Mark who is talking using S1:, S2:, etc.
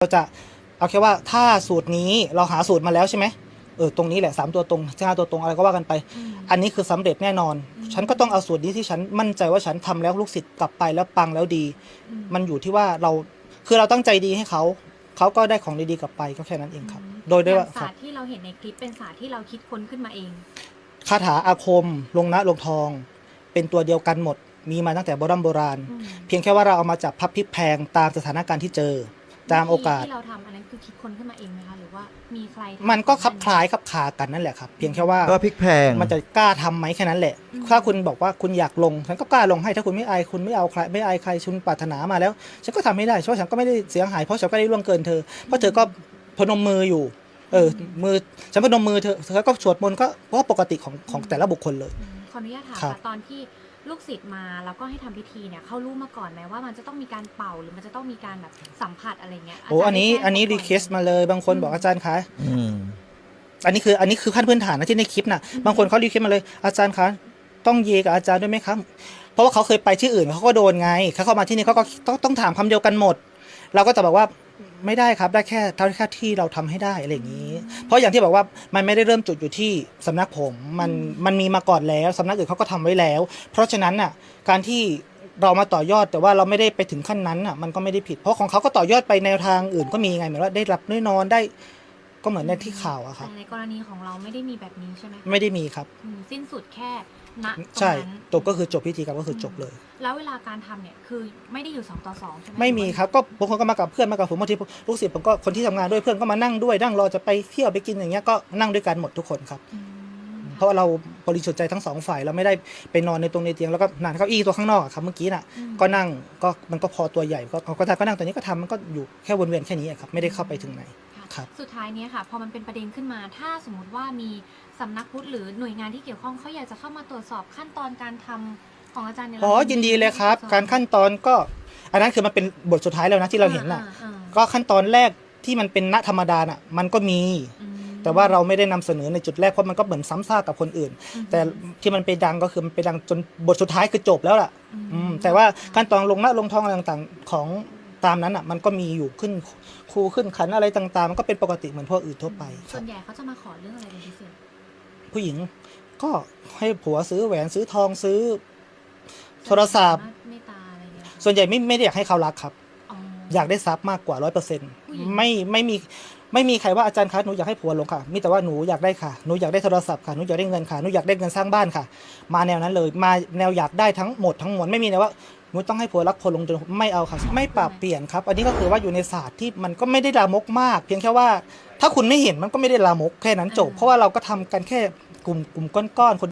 S1: เราจะเอาแค่ว่าถ้าสูตรนี้เราหาสูตรมาแล้วใช่ไหมตรงนี้แหละ3ตัวตรง5ตัวตรงอะไรก็ว่ากันไปอันนี้คือสำเร็จแน่นอนฉันก็ต้องเอาสูตรนี้ที่ฉันมั่นใจว่าฉันทำแล้วลูกศิษย์กลับไปแล้วปังแล้วดีมันอยู่ที่ว่าเราคือเราตั้งใจดีให้เขาก็ได้ของดีๆกลับไปก็แค่นั้นเองครับโดยได้ว่า
S2: ศาสตร์ที่เราเห็นในคลิปเป็นศาสตร์ที่เราคิดค้นขึ้นมาเอง
S1: คาถาอาคมลงนะลงทองเป็นตัวเดียวกันหมดมีมาตั้งแต่โบราณเพียงแค่ว่าเราเอามาจับพับพลิกแพงตามสถานการณ์ที่เจอตามโอกาส
S2: ที่เราทำอันนั้นคือคิดค้นขึ้นมาเองไหมคะหรือว่ามีใคร
S1: มันก็คลับคล้ายคลับคากันนั่นแหละครับเพียงแค่ว่า
S3: ก็พลิกแพง
S1: มันจะกล้าทำไหมแค่นั้นแหละถ้าคุณบอกว่าคุณอยากลงฉันก็กล้าลงให้ถ้าคุณไม่อายคุณไม่เอาใครไม่อายใครคุณปรารถนามาแล้วฉันก็ทำไม่ได้เพราะฉันก็ไม่ได้เสียหายเพราะฉันก็ได้ล่วงเกินเธอเพราะเธอก็พนมมืออยู่มือฉันพนมมือเธอก็สวดมนต์ก็ปกติของแต่ละบุคคลเลย
S2: ขออนุญาตถามค่ะตอนที่ลูกศิษย์มาแล้วก็ให้ทำพิธีเนี่ยเขารู้มาก่อนไหมว่ามันจะต้องมีการเป่าหรือมันจะต้องมีการแบบสัมผัสอะไรเงี้ย
S1: อันนี้รีเควสมาเลยบางคนบอกอาจารย์คะอันนี้คือขั้นพื้นฐานนะที่ในคลิปนะบางคนเขารีเควสมาเลยอาจารย์คะต้องเยกับอาจารย์ด้วยไหมครับเพราะว่าเขาเคยไปที่อื่นเขาก็โดนไงเขาเข้ามาที่นี่เขาก็ต้องถามคำเดียวกันหมดเราก็จะบอกว่าไม่ได้ครับได้แค่เท่าที่เราทำให้ได้อะไรอย่างนี้เพราะอย่างที่บอกว่ามันไม่ได้เริ่มจุดอยู่ที่สำนักผมมันมีมาก่อนแล้วสำนักอื่นเขาก็ทำไว้แล้วเพราะฉะนั้นน่ะการที่เรามาต่อยอดแต่ว่าเราไม่ได้ไปถึงขั้นนั้นน่ะมันก็ไม่ได้ผิดเพราะของเขาก็ต่อยอดไปแนวทางอื่นก็มีไงเหมือนว่าได้รับได้นอนได้ก็เหมือนในที่ข่าวอะครับ
S2: ในกรณีของเราไม่ได้มีแบบนี้ใช่ไหม
S1: ไม่ได้มีครับ
S2: สิ้นสุดแค่ณ
S1: ใช่จบก็คือจบพิธีกรรมก็คือจบเลย
S2: แล้วเวลาการทำเนี่ยคือไม่ได้อยู่2 ต่อ 2ใช่ไหม
S1: ไม่มีครับก็บางคนก็มากับเพื่อนมากับผมบางทีลูกศิษย์ผมก็คนที่ทำงานด้วยเพื่อนก็มานั่งด้วยนั่งรอจะไปเที่ยวไปกินอย่างเงี้ยก็นั่งด้วยกันหมดทุกคนครับเพราะเราบริสุทธิ์ใจทั้ง2 ฝ่ายเราไม่ได้ไปนอนในเตียงแล้วก็นั่งเก้าอี้ตัวข้างนอกครับเมื่อกี้น่ะก็นั่งก็มันก็พอตัวใหญ่ก็นั่งตัวนี้ก็ทำมันก็อยู่แค่วนเวียนแค่นี้ครับไม่ได้เข้าไปถึงไหนครับ
S2: สุดท้ายนี้ค่ะพอมันเป็นประเด็นขึ้นมาถ้าสมมติว่ามีสำนักพุทธหรือหน่วยงานที่เกี่ยวข้องเขาอยากจะเข้ามาตรวจสอบขั้นตอนการทำของอาจารย์เนี่ย
S1: ยินดีเลยครับการขั้นตอนก็อันนั้นคือมันเป็นบทสุดท้ายแล้วนะที่เราเห็นน่ะก็ขั้นตอนแรกที่มันเป็นณธรรมดาน่ะมันก็มีแต่ว่าเราไม่ได้นำเสนอในจุดแรกเพราะมันก็เหมือนซ้ำซากกับคนอื่นแต่ที่มันไปดังก็คือมันไปดังจนบทสุดท้ายคือจบแล้วล่ะแต่ว่าขั้นตอนลงนะลงทองอะไรต่างๆของตามนั้นอ่ะมันก็มีอยู่ขึ้นครูขึ้นขันอะไรต่างๆมันก็เป็นปกติเหมือนพวกอื่นทั่วไป
S2: ส่วนใหญ่เขาจะมาขอเรื่องอะไรเป็นพิเศษ
S1: ผู้หญิงก็ให้ผัวซื้อแหวนซื้อทองซื้อโทรศัพท์ส่วนใหญ่ไม่ได้อยากให้เขารักครับอยากได้ทรัพย์มากกว่า100%ไม่มีใครว่าอาจารย์คะหนูอยากให้ผัวลงค่ะมีแต่ว่าหนูอยากได้ค่ะหนูอยากได้โทรศัพท์ค่ะหนูอยากได้เงินค่ะหนูอยากได้เงินสร้างบ้านค่ะมาแนวนั้นเลยมาแนวอยากได้ทั้งหมดทั้งมวลไม่มีนะว่าหนูต้องให้ผัวรักผัวลงจนไม่เอาค่ะไม่ปรับเปลี่ยนครับอันนี้ก็คือว่าอยู่ในศาสตร์ที่มันก็ไม่ได้ลามกมากเพียงแค่ว่าถ้าคุณไม่เห็นมันก็ไม่ได้ลามกแค่นั้นจบเพราะว่าเราก็ทำกันแค่กลุ่มก้อนๆคน